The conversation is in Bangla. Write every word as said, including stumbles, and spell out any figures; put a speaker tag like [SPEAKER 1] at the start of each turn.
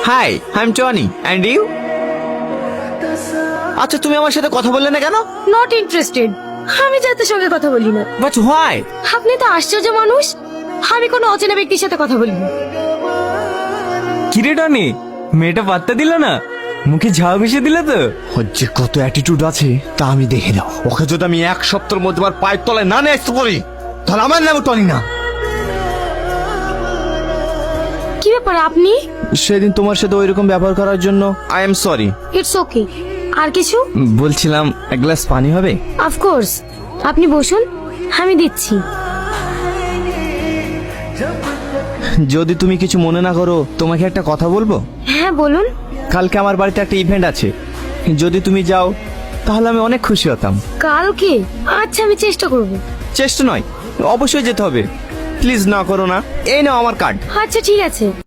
[SPEAKER 1] High I am Tony and you? আচ্ছা তুমি আমার সাথে কথা বললে না কেন?
[SPEAKER 2] Not interested. আমি যাদের সঙ্গে কথা বলি না।
[SPEAKER 1] But why?
[SPEAKER 2] আপনি তো আশ্চর্য মানুষ, আমি কোনো অচেনা ব্যক্তির সাথে কথা বলি না।
[SPEAKER 3] কিরে টনি, মেয়েটা পাত্তা দিল না, মুখে ঝাউ ভেসে দিল তো।
[SPEAKER 1] ওর যে কত অ্যাটিটিউড আছে তা আমি দেখে নাও। ওকে যদি আমি এক সপ্তাহের মধ্যে আমার পায়ের তলায় না নিয়ে আসতে পারি তাহলে আমার নাম টনি না।
[SPEAKER 2] কি ব্যাপার আপনি?
[SPEAKER 1] সেদিন তোমার সাথে ওইরকম ব্যবহার করার জন্য I am sorry.
[SPEAKER 2] It's okay. আর কিছু?
[SPEAKER 1] বলছিলাম এক গ্লাস পানি হবে?
[SPEAKER 2] অফকোর্স, আপনি বসুন, আমি দিচ্ছি।
[SPEAKER 1] যদি তুমি কিছু মনে না করো তোমাকে একটা কথা বলবো।
[SPEAKER 2] হ্যাঁ বলুন।
[SPEAKER 1] কালকে আমার বাড়িতে একটা ইভেন্ট আছে, যদি তুমি যাও তাহলে আমি অনেক খুশি হতাম।
[SPEAKER 2] কালকে? আচ্ছা, আমি চেষ্টা করব।
[SPEAKER 1] চেষ্টা নয়, অবশ্যই যেতে হবে। প্লিজ না করো না। এই নাও আমার কার্ড।
[SPEAKER 2] আচ্ছা ঠিক আছে।